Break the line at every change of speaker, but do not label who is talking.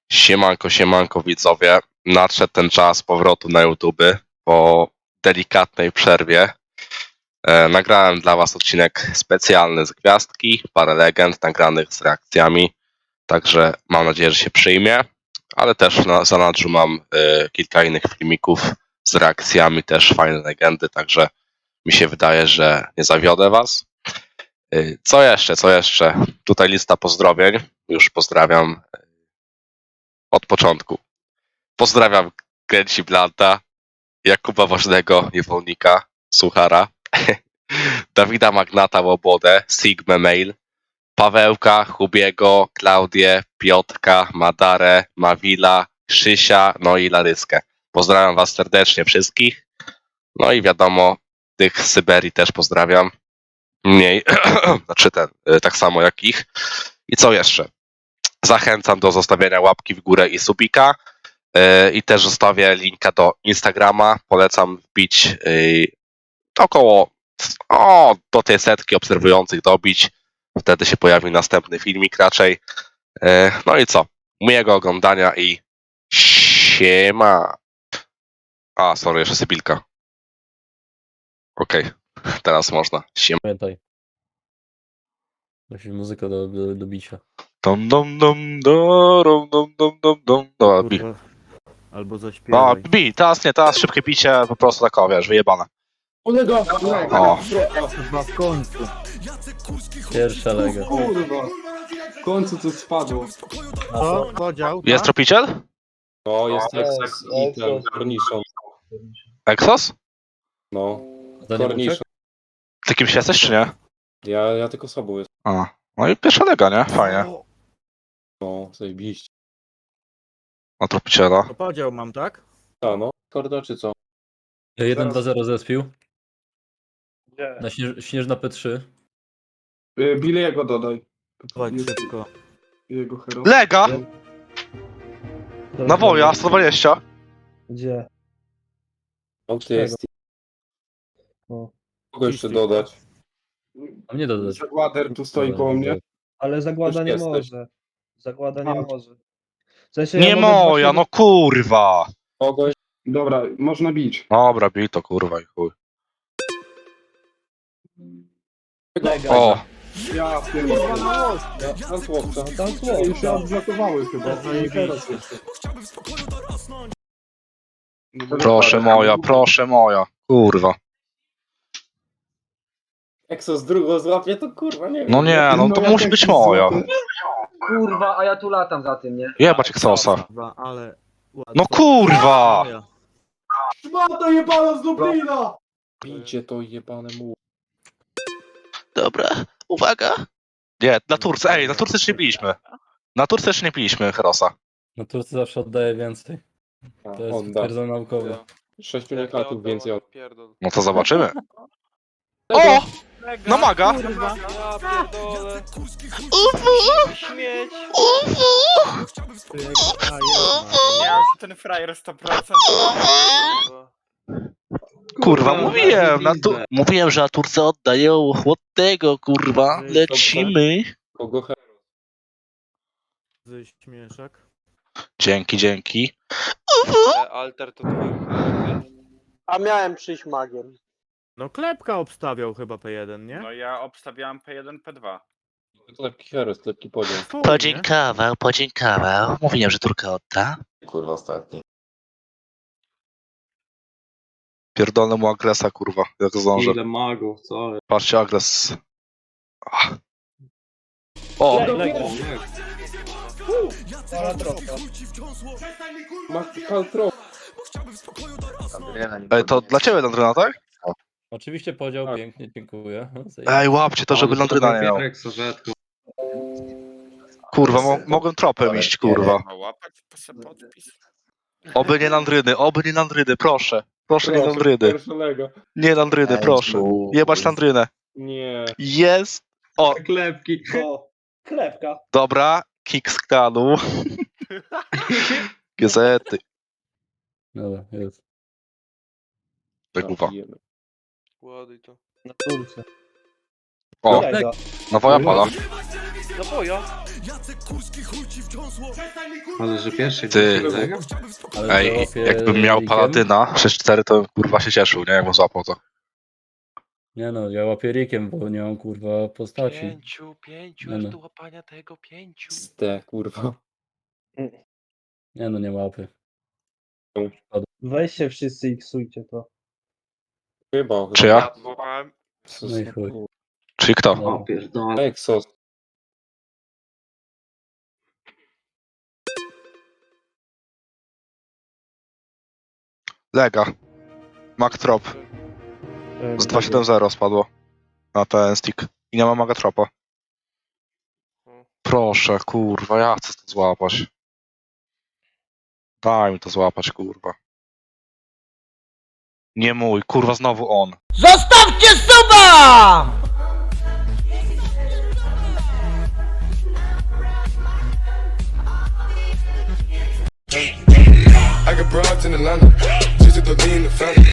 Siemanko, siemanko widzowie. Nadszedł ten czas powrotu na YouTube po delikatnej przerwie. Nagrałem dla was odcinek specjalny z gwiazdki, parę legend nagranych z reakcjami, także mam nadzieję, że się przyjmie, ale też na zanadrzu mam kilka innych filmików z reakcjami, też fajne legendy, także mi się wydaje, że nie zawiodę was. Co jeszcze, co jeszcze? Tutaj lista pozdrowień, już pozdrawiam od początku. Pozdrawiam Kręci Blanta, Jakuba Ważnego, Niewolnika, Suchara, Dawida Magnata Łobodę, Sigma Mail, Pawełka, Hubiego, Klaudię, Piotrka, Madarę, Mawila, Krzysia, no i Laryskę. Pozdrawiam was serdecznie wszystkich. No i wiadomo, tych z Syberii też pozdrawiam. Mniej, znaczy tak samo jak ich. I co jeszcze? Zachęcam do zostawienia łapki w górę i subika. I też zostawię linka do Instagrama. Polecam wbić około do tej setki obserwujących dobić. Wtedy się pojawi następny filmik raczej. No i co? Miłego oglądania i siema. Sorry, jeszcze sybilka. Okej, teraz można. Siema.
Pamiętaj. Musi muzyka do bicia.
Dom, dom, dom, dom, dom, dom, dom, dom. Dobra, bi.
Kurwa. Albo
No,
zaśpiewaj.
bi, teraz nie, teraz szybkie bicie, po prostu tak, wiesz, wyjebane. O.
Chyba w końcu.
Pierwsza lega.
Kurwa, w końcu coś spadło.
Co? Podział?
Jest tropiciel?
No, jest Exos i ten Cornichon.
Exos?
No,
To nie
Cornichon.
Ty kimś jesteś, czy nie?
Ja tylko sobą jestem.
No i pierwsza lega, nie? Fajnie.
No, zajebiście.
Na tropiciela.
To podział mam, tak?
A no, korda czy co?
1-2-0 zespił.
Nie.
Na śnieżna P3.
Billy'ego dodaj.
Chodź szybko.
Jego hero.
Lega! Na woja, 120.
Gdzie?
No, ty jest.
O.
Kogo jeszcze dodać?
A mnie dodać.
Zagłader tu stoi koło mnie.
Ale Zagłada
Już
nie
jesteś.
może. Zagłada nie
A.
może. W sensie
Nie
mogę
moja, no kurwa!
Kogoś. Dobra, można bić.
Dobra, bij to kurwa i chuj.
Lega.
O!
Ja pierdolę. Tam chłopca.
Tam słowo.
Już się odblokowały chyba.
Zajebiście.
Proszę moja, kurwa.
Exos drugą złapie, to kurwa nie wiem.
No nie, no to
ja
musi
tak
być
się
moja.
złapię.
Kurwa, a ja tu latam za tym, nie?
Jebać Exosa.
Kurwa, ale...
No kurwa!
Szmata jebana z Lublina! Bijcie to jebane mu.
Dobra, uwaga. Nie, na Turce, na Turce jeszcze nie piliśmy. Na Turce jeszcze nie piliśmy Herosa.
Na Turcy zawsze oddaje więcej. To jest
On da.
potwierdzone naukowo.
6 unikatów więcej od...
No to zobaczymy. O! No maga!
Ja pierdolę.
Śmieć!
Ja
Ten frajer 100%.
Kurwa, mówiłem, że na Turce oddają chłodnego, kurwa. Lecimy.
Kogo hero?
Ze śmieszek.
Dzięki.
Alter to twój.
A miałem przyjść magiem.
No klepka obstawiał chyba P1, nie?
No ja obstawiałem P1, P2.
Lepki hero, lepki podział.
Chuj,
Podziękował. Mówiłem, że Turkę odda.
Kurwa ostatni.
Pierdolę mu agresa, kurwa, jak zdążę.
Ile magów, co?
Patrzcie, agres. O!
Kaltro.
Ej, to dla ciebie Landryna, tak?
Oczywiście podział,
Tak.
pięknie, dziękuję.
Ej, łapcie to, żeby Landryna nie miał. Kurwa, mogłem tropem iść, kurwa.
No łapać podpis.
Oby nie Landryny, proszę. Proszę nie Landryny.
Pierwsza lega.
Nie Landryny, proszę. Jebać Landrynę.
Nie.
Jest! O,
Klepki.
O, klepka.
dobra, kick z klanu. Gazety.
Dobra, jest.
Kurwa.
Ładuj to.
Na Turce.
O,
Lega.
na woja pada.
No boja.
Ale że pierwszy
Ty.
Lega?
Ale
Ej,
załapie
jakbym miał
Rikiem?
Paladyna 6-4, to bym, kurwa się cieszył, nie? Jakbym złapał to.
Nie no, ja łapię Rikiem, bo nie mam kurwa postaci.
Pięciu,
Nie
aż
no.
do łapania tego 5.
Ste, kurwa.
Nie no, nie łapy.
Weźcie wszyscy i ksujcie to.
Chyba.
Czy ja?
Złapałem.
No i chuj.
Czyli kto?
No.
Pierdolę. Exos.
Lega. Magtrop. Z 2.7.0 spadło. Na ten stick. I nie ma Magatropa. Proszę, kurwa, ja chcę to złapać. Daj mi to złapać, kurwa. Nie mój, kurwa, znowu on.
Zostawcie suba!
I got broads in Atlanta,